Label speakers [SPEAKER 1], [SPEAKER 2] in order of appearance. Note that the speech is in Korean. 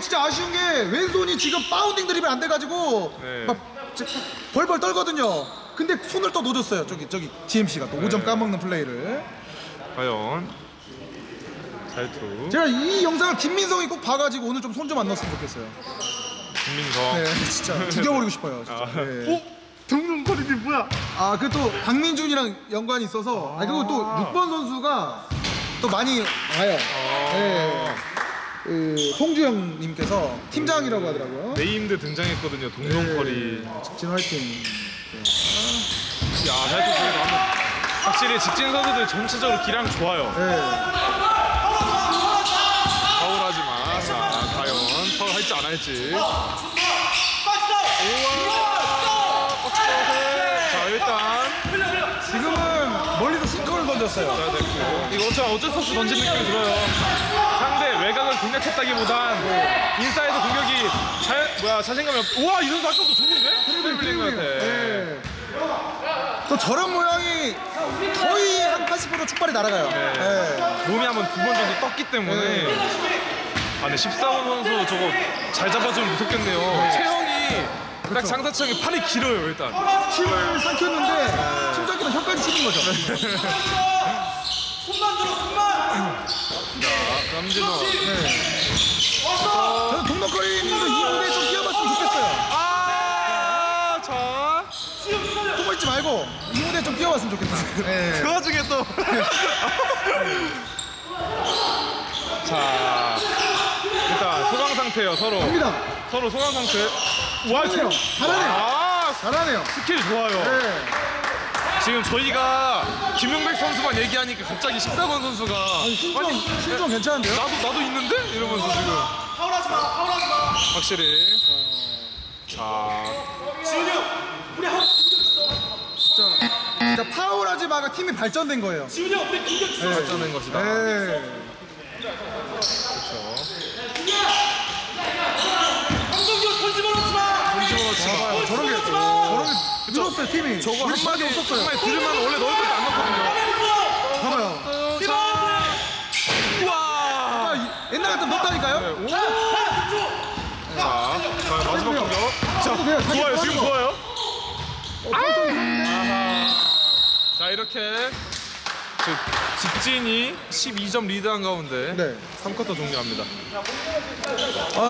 [SPEAKER 1] 진짜 아쉬운 게 왼손이 지금 바운딩 드립이 안 돼가지고
[SPEAKER 2] 네.
[SPEAKER 1] 막 벌벌 떨거든요. 근데 손을 또 놓쳤어요. 저기 GMC가 또 5점 까먹는 플레이를.
[SPEAKER 2] 과연 자유투
[SPEAKER 1] 제가 이 영상을 김민성이 꼭 봐가지고 오늘 좀 손 좀 안 넣었으면 좋겠어요.
[SPEAKER 2] 김민성.
[SPEAKER 1] 네, 진짜 죽여버리고 싶어요. 진짜.
[SPEAKER 2] 아.
[SPEAKER 1] 네.
[SPEAKER 2] 동동거리기 뭐야?
[SPEAKER 1] 아, 그 또 박민준이랑 연관이 있어서. 그리고 또 6번 선수가 또 많이 와요. 네. 그 송주영님께서 팀장이라고 하더라고요.
[SPEAKER 2] 네임드 등장했거든요. 동동거리.
[SPEAKER 1] 직진 화이팅.
[SPEAKER 2] 야, 자유투 저기서 한번 확실히 직진 선수들 전체적으로 기량 좋아요.
[SPEAKER 1] 네.
[SPEAKER 2] 파울하지 마. 자, 과연 파울 할지 안 할지. 자, 일단
[SPEAKER 1] 지금은 멀리서 싱커를 던졌어요.
[SPEAKER 2] 자, 됐고. 이거 어쩔 수 없이 던진 느낌이 들어요. 상대 외곽을 공략했다기보단 인사이드 공격이 자신감이 우와, 이 선수 아까부터 좋은데? 트리블링 같아.
[SPEAKER 1] 네. 또 저런 모양이 거의 한 80% 축발이 날아가요. 네.
[SPEAKER 2] 몸이 한번 2번 정도 떴기 때문에. 아, 근데 14번 선수 저거 잘 잡아주면 무섭겠네요. 체형이 딱 장사체형이 팔이 길어요, 일단.
[SPEAKER 1] 힘을 삼켰는데 힘 삼키면 혀까지 씹은 거죠.
[SPEAKER 2] 자, 남진호.
[SPEAKER 1] 저는 동덕거리님도 이 무대에 좀 뛰어봤으면 좋겠어요.
[SPEAKER 2] 아, 자.
[SPEAKER 1] 숨어 있지 말고 이 무대에 좀 뛰어봤으면 좋겠다. 네.
[SPEAKER 2] 그 와중에 또. 자, 일단 소강 상태예요, 서로.
[SPEAKER 1] 갑니다.
[SPEAKER 2] 서로 소강 상태. 와,
[SPEAKER 1] 잘하네요. 잘하네요.
[SPEAKER 2] 아,
[SPEAKER 1] 잘하네요.
[SPEAKER 2] 스킬 좋아요.
[SPEAKER 1] 네.
[SPEAKER 2] 지금 저희가 김용백 선수만 얘기하니까 갑자기 14번 선수가
[SPEAKER 1] 신종 괜찮은데요?
[SPEAKER 2] 나도 있는데? 이러면서 지금
[SPEAKER 3] 파울하지 마, 파울하지 마.
[SPEAKER 2] 확실히 자,
[SPEAKER 3] 지훈이 형, 우리 한 공격 있어.
[SPEAKER 1] 진짜 파울하지 마가 팀이 발전된 거예요.
[SPEAKER 3] 지훈이 형, 우리 공격 있어.
[SPEAKER 2] 발전된 것이다.
[SPEAKER 1] 네.
[SPEAKER 2] 그렇죠.
[SPEAKER 3] 감독님 손 집어넣지 마.
[SPEAKER 2] 손 집어넣지 마.
[SPEAKER 1] 봐봐요. 저런 게 늘었어요 팀이.
[SPEAKER 2] 저거
[SPEAKER 1] 우리
[SPEAKER 2] 한마디
[SPEAKER 1] 없었어요.
[SPEAKER 2] 한마디 들으면 원래 넣을 것도 안 넣거든요.
[SPEAKER 1] 봐봐요.
[SPEAKER 2] 우와.
[SPEAKER 1] 아, 옛날 같으면 넣었다니까요?
[SPEAKER 2] 오. 자, 마지막 공격.
[SPEAKER 1] 저도 돼요. 자기
[SPEAKER 2] 좋아요.
[SPEAKER 1] 좋아하는
[SPEAKER 2] 지금
[SPEAKER 1] 거.
[SPEAKER 2] 좋아요.
[SPEAKER 1] 어,
[SPEAKER 2] 아하. 자, 이렇게 직진이 12점 리드한 가운데
[SPEAKER 1] 네.
[SPEAKER 2] 3쿼터 종료합니다.